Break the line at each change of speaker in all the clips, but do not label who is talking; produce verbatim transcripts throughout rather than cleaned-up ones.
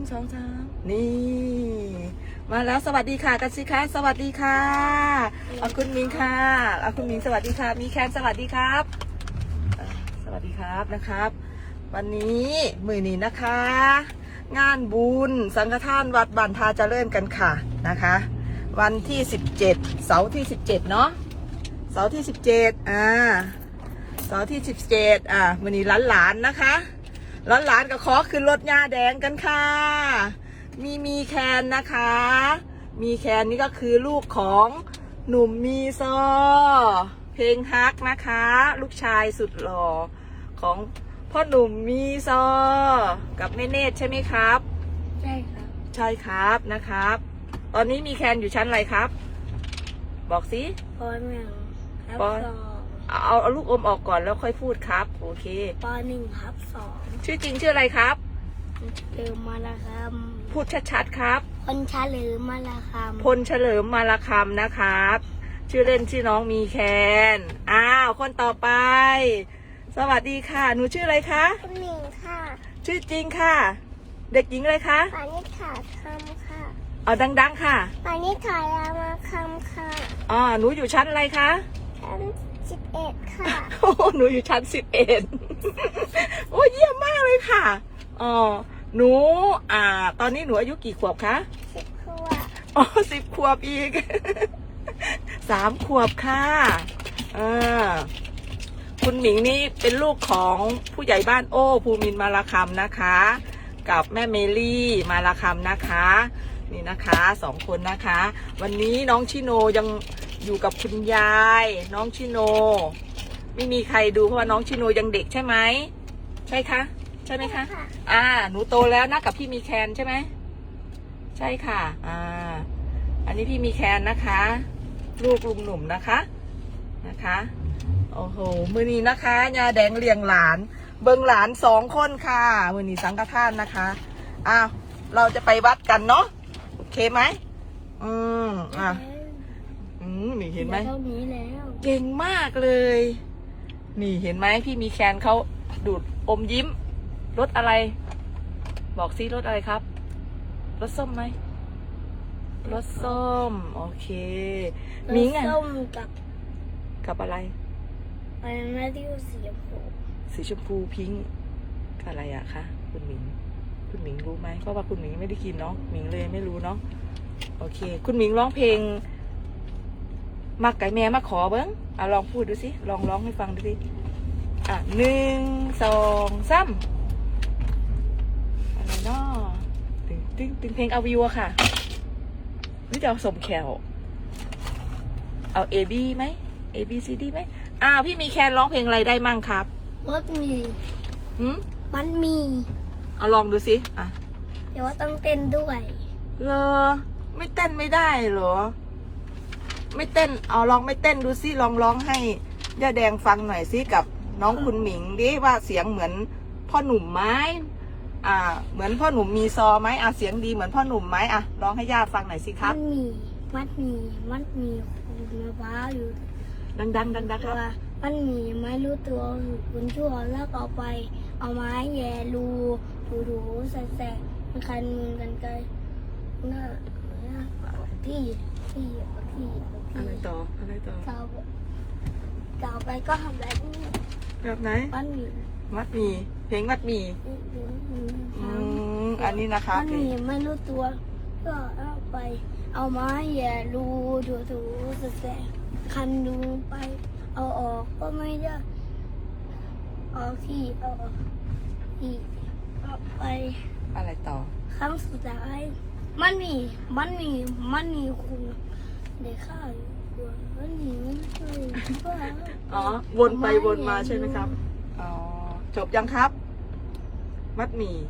สองสามนี่มาแล้วสวัสดีค่ะกันสิคะสวัสดีค่ะเอาคุณมิงค่ะเอาคุณมิงสวัสดีค่ะมีแคนสวัสดีครับสวัสดีครับนะครับวันนี้มือนี้นะคะ งานบุญสังฆทานวัดบันทาเจริญกันค่ะนะคะวันที่สิบเจ็ดเสาร์ที่สิบเจ็ดเนาะเสาร์ที่สิบเจ็ดอ่าเสาร์ที่สิบเจ็ดอ่าวันนี้หลานๆนะคะหลานๆก็ขอขึ้นรถยาแดงกันค่ะมีมีแคนนะคะมีแคนนี่ก็คือลูกของหนุ่มมีซอเพลงฮักนะคะลูกชายสุดหล่อของพ่อหนุ่มมีซอกับแม่เนตรใช่ไหมครับ
ใช่ครับ
ใช่ครับนะครับตอนนี้มีแคนอยู่ชั้นอะไรครับบอกสิ
ปหนึ่งทับสอง
เอาเอาลูกอมออกก่อนแล้วค่อยพูดครับโอเค
ปหนึ่งทับสอง
ชื่อจริงชื่ออะไรครับ
เฉลิมมาลาคำ
พูดชัดๆครับ
พลเฉลิมมาลาคำ
พลเฉลิมมาลาคำนะครับชื่อเล่นชื่อน้องมีแคนอ้าวคนต่อไปสวัสดีค่ะหนูชื่ออะไรคะ
คุณหนิงค่ะ
ชื่อจริงค่ะเด็กหญิงอะไรคะ
ปานิษฐาคำค่ะ
เอาดังๆค่ะ
ปานิษฐารามาคำค่ะ
อ๋อหนูอยู่ชั้นอะไรคะ
ชั้นสิบเอ็ดค่ะ
โอ้หนูอยู่ชั้นสิบเอ็ดโอ้เยี่ยมมากเลยค่ะอ๋อหนูอ่าตอนนี้หนูอายุกี่ขวบคะ
สิบขวบ
อ๋อสิบขวบอีกสามขวบค่ะอ่าคุณหมิงนี่เป็นลูกของผู้ใหญ่บ้านโอ้ภูมินทร์มาลาคำนะคะกับแม่เมลี่มาลาคำนะคะนี่นะคะสองคนนะคะวันนี้น้องชิโนยังอยู่กับคุณยายน้องชิโนไม่มีใครดูเพราะว่าน้องชิโนยังเด็กใช่ไหมใช่คะใช่ไหมคะอ่าหนูโตแล้วนะกับพี่มีแคนใช่ไหมใช่ค่ะอ่าอันนี้พี่มีแคนนะคะลูกลุงหนุ่มนะคะนะคะโอ้โหมือนี้นะคะยาแดงเลี้ยงหลานเบิ้งหลานสองคนค่ะมือนี้สังฆทานนะคะอ้าวเราจะไปวัดกันเนาะโอเคไหมอืมอ่ะอืมนี่เห็นไหมเก่งมากเลยนี่เห็นไหมพี่มีแคนเขาดูดอมยิ้มรสอะไรบอกซิรสอะไรครับรสส้มไหมรสส้มโอเคมิ้งอ่ะ
ส้มกับ
กับอะไร
อะไรนะที่สีชมพู
สีชมพูพิงค์อะไรอะคะคุณหมิงคุณหมิงรู้ไหมเพราะว่าคุณหมิงไม่ได้กินเนาะหมิงเลยไม่รู้เนาะโอเคคุณหมิงร้องเพลงมักไก่แม่มาขอเบิ้งอ่ะลองพูดดูสิลองร้องให้ฟังดูสิอ่ะหนึ่งสองสามอะไรเนาะตึงตึงตึงเพลงเอาวิวอะค่ะหรือจะเอาสมแขวเอา A B ไหม A B C D ไหมอ้าวพี่มีแคนร้องเพลงอะไรได้มั่งครับ
มันมี
หืม
มันมี
เอาลองดูสิอ่ะ
เดี๋ยวว่าต้องเต้นด้วย
เหรอไม่เต้นไม่ได้เหรอไม่เต้นเอาลองไม่เต้นดูสิลองร้องให้ย่าแดงฟังหน่อยสิกับน้องคุณหมิงดิว่าเสียงเหมือนพ่อหนุ่มไหมอ่าเหมือนพ่อหนุ่มมีซอไหมอ่ะเสียงดีเหมือนพ่อหนุ่มไหมอ่ะร้องให้ย่าฟังหน่อยสิครับ
มันมีมันมีมันมีคุณมะพร้าวอยู่
ดังดังดังดังครับ
มันมีไม่รู้ตัวคุณชั่วแล้วเอาไปเอาไม้แย่รูถูถูใส่แสมันคันมือกันไกลหน้าพี่พี่พี่
อะไรต่ออะไรต่อ
เก่าเก่าไปก็ทำแบบนี้
แบบไหน
มัดมี
มัดมีเพลงมัดมีอืมอันนี้นะคะ
มัดมีไม่รู้ตัวก็เอาไปเอาไม้แย่รูถูถูใส่แสคันดูไปเอาออกก็ไม่ได้เอาที่เอาออกที่เอาไป
อะไรต่อ
ครั้งสุดท้ายมันมีมันมีมันมีคุณเด็กข้าอยู่มันมีมันช่วย
อ๋อวนไปวนมาใช่ไหมครับอ๋อจบยังครับมัดหมี่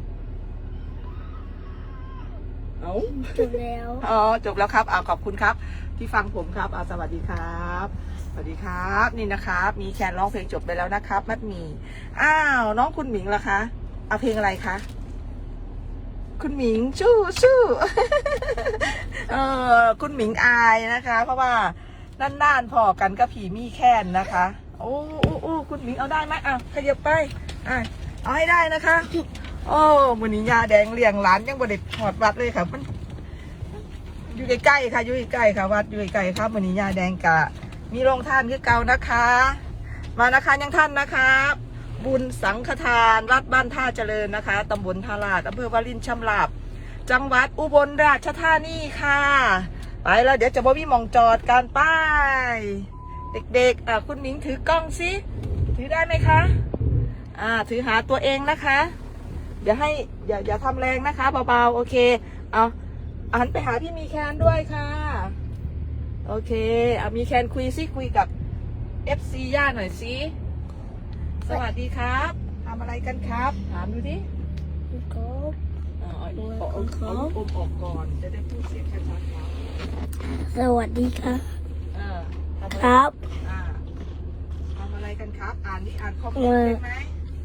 เอา
จบแล้ว
อ๋อจบแล้วครับอ่าขอบคุณครับที่ฟังผมครับอ่าสวัสดีครับสวัสดีครับนี่นะครับมีแคนร้องเพลงจบไปแล้วนะครับมัดหมี่อ้าวน้องคุณหมิงล่ะคะเอาเพลงอะไรคะคุณหมิงชู้ชู้เออคุณหมิงอายนะคะเพราะว่าน่านๆพอกันก็ผีมีแค้นนะคะ โอ้โอ้โอ้คุณหมิงเอาได้ไหมอ่ะขยับไปอ่ะเอาให้ได้นะคะโอ้มือนี้ยาแดงเลี้ยงหลานยังบ่ได้หอดวัดเลยค่ะมันอยู่ใกล้ๆค่ะอยู่ใกล้ๆค่ะวัดอยู่ใกล้ๆครับมือนี้ยาแดงกะมีโรงทานคือเก่านะคะ มานะคะยังท่านนะครับ บุญสังฆทานวัดบ้านท่าเจริญนะคะตำบลท่าลาดอำเภอวารินชำราบจังหวัดอุบลราชธานีค่ะไปแล้วเดี๋ยวจะบ่มีหมองจอดการป้ายเด็กๆอ่ะคุณหมิงถือกล้องสิถือได้ไหมคะอ่าถือหาตัวเองนะคะอย่าให้อย่าอย่าทำแรงนะคะเบาๆโอเคเอาหันไปหาพี่มีแคนด้วยค่ะโอเคเอามีแคนคุยสิคุยกับ เอฟ ซี ย่าหน่อยสิสวัสดีครับทำอะไรกันครับถามดูดิ
ครับ
อ่าเอาอีกเอาเอาเอาลูกอมออกก่อนจะได้พูดเสียงชัดๆครับ
สวัสดีครับ
เออทำอะไร
ครับ
อ่าทำอะไรกันครับ อ่านนี่อ่านข้อความได้ไหม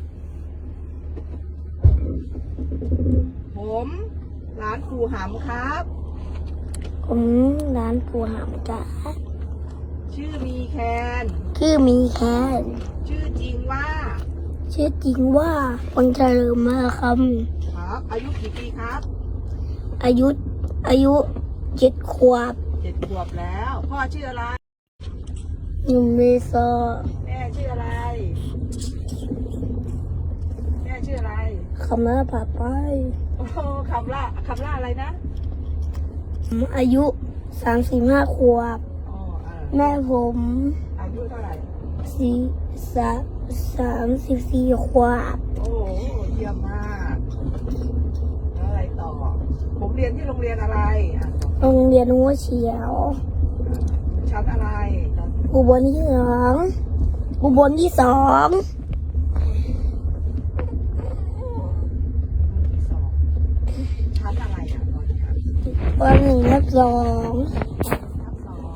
ผมร้านครูหำครับ
ผมร้านปูหามจ้า
ชื่อมีแคน
ชื่อมีแคน
ชื่อจริงว่า
ชื่อจริงว่าวันเฉลิมมาค
ครับ อายุกี่ปีครับ
ำอายุอายุเจ็ดขวบ
เจ็ดขวบแล้ว พ่อชื่ออะไร
หนึ่งเมษา
แม่ชื่ออะไร แม่ชื่ออะไร
คำนั้นผ่าไป
โอ้โหคำล่าคำล่าอะไรนะ
ผมอายุสามสิบห้าขวบ
อ๋ออ่า
แม่ผม
อายุเท่าไหร่
สี่สามสามสิบสี่ขวบ
โอ้โหเยี่ยมมากแล้วอะไรต่อ ผมเรียนที่โรงเรียนอะไรอ่ะ
โรงเรียนหัวเฉียว
ชั้นอะไรตอน
อุบลที่สองอุบลที่สอง
ที่สองชั้นอะไรอ่ะตอนนี้ครับ
วันหนึ่งทับสอง
ทับสอง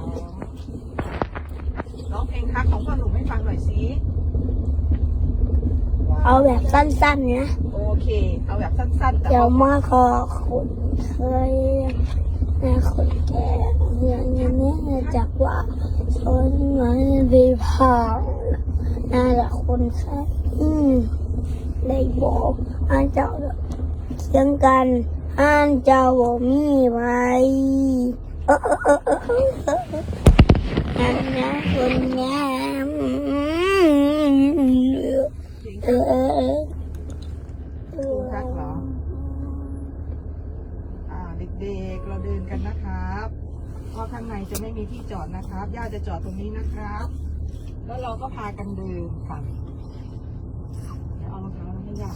ร้องเพลงทักของพ่อหนุ่มให้ฟังหน่อยสิว้ว
เอาแบบสั้นๆนะ
โอเค เอาแบบสั้นๆแต่
เดี๋ยว
ว่า
มาขอคนเคยแม่คนแก่เรียนอย่างนี้จากว่าคนมันดีผ่านน่าจะคนแค่อืมได้บอกอันเจ้าเคียงกันอันเจ้าบ่มีไว้เออเออเออเออเอออันนะคนงามเออเออเออ
ครูทักเหรอ อ่าเด็กๆเราเดินกันนะครับเพราะข้างในจะไม่มีที่จอดนะครับย่าจะจอดตรงนี้นะครับ แล้วเราก็พากันเดินค่ะเดี๋ยวเอารองเท้ามาให้ย่า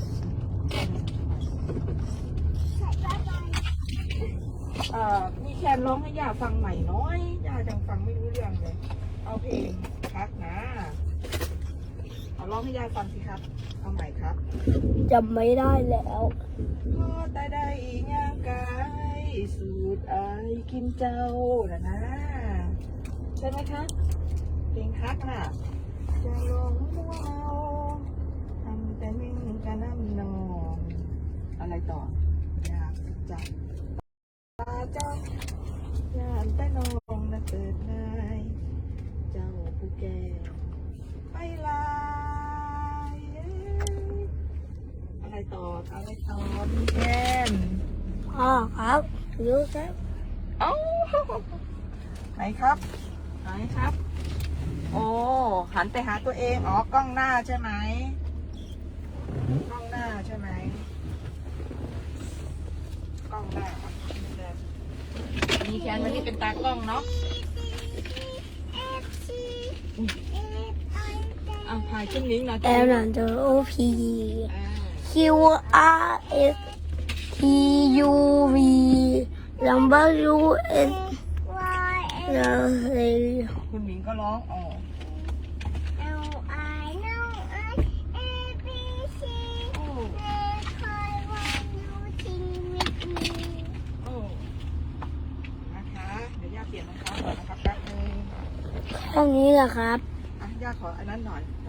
เอ่อมีแคนร้องให้ย่าฟังใหม่น้อยย่าจังฟังไม่รู้เรื่องเลย เอาเพลงครับนะเอาร้องให้ย่าฟังสิครับเอาใหม่ครับ
จำไม่ได้แล้ว
พอแต่ได้ย่างกายสูตรไอายกินเจ้าน่ะนะใช่ไหมคะเพลงฮักน่ะจะลงมัวเอาทำแต่มิ่งกันน้ำนองอะไรต่อ อยากจับตาเจ้าย่านแต่น้องนะเกิดนายเจ้าผู้แก่ไปลายอะไรต่ออะไรต่อมีแกน
พ่อครับรู้ครับ
เอ้าไหนครับ ไหนครับ โอ้หันไปหาตัวเองอ๋อกล้องหน้าใช่ไหมกล้องหน้าใช่ไหมกล้องหน้าครับมีแคนวันนี้เป็นตากล้องเนาะอ่ะถ่ายขึ้นลิงก์นะ
แอลนันเดอร์โอพี
อ่า
คิวอาร์เอสทียูวีลัมเบอร์ยูเอสเราเฮ
คุณหมิงก็ร้องอ๋อ
L I know I A B C
โอ้
คอยวันยูทีมิดมี
โอ้นะคะเดี๋ยวย่าเปลี่ยนรองเท้าก่อนนะครับแป๊บนึง
แค่นี้แหละครับ
อ่ะย่าขออันนั้นหน่อย